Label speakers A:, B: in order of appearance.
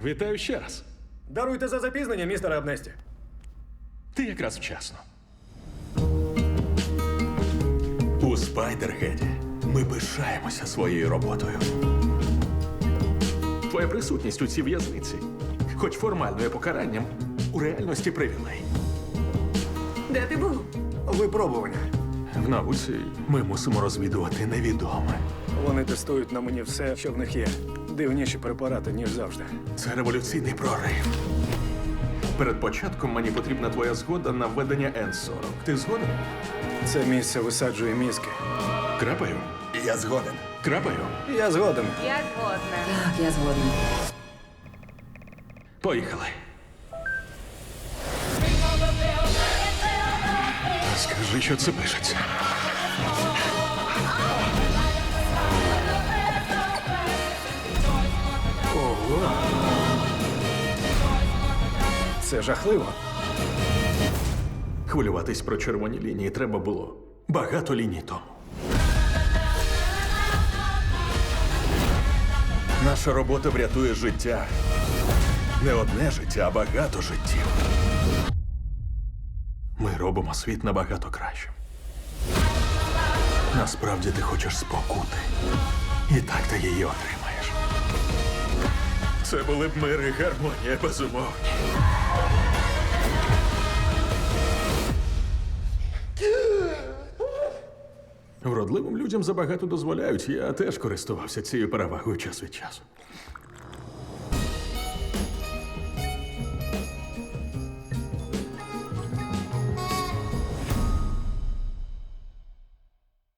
A: Вітаю ще раз.
B: Даруйте за запізнення, містере Абнесті.
A: Ти якраз вчасно.
C: У Спайдергеді ми пишаємося своєю роботою.
A: Твоя присутність у цій в'язниці, хоч формально є покаранням, у реальності привілей.
D: Де ти був?
B: Випробування.
A: В науці
C: Ми мусимо розвідувати невідоме.
B: Вони тестують на мені все, що в них є. Дивніші препарати, ніж завжди.
C: Це революційний прорив.
A: перед початком мені потрібна твоя згода на введення N40. Ти згоден?
B: Це місце висаджує мізки.
A: Крапаю.
C: Я згоден.
A: Крапаю.
B: Я згоден.
D: Я згодна. Так, я згодна.
A: Поїхали. Скажи, що це пишеться.
B: Ого. Це жахливо.
A: Хвилюватись про червоні лінії треба було багато ліній тому.
C: Наша робота врятує життя. Не одне життя, а багато життів.
A: Ми робимо світ набагато кращим.
C: Насправді ти хочеш спокути. І так ти її отримаєш.
A: Це були б мир і гармонія, безумовні. Вродливим людям забагато дозволяють. Я теж користувався цією перевагою час від часу.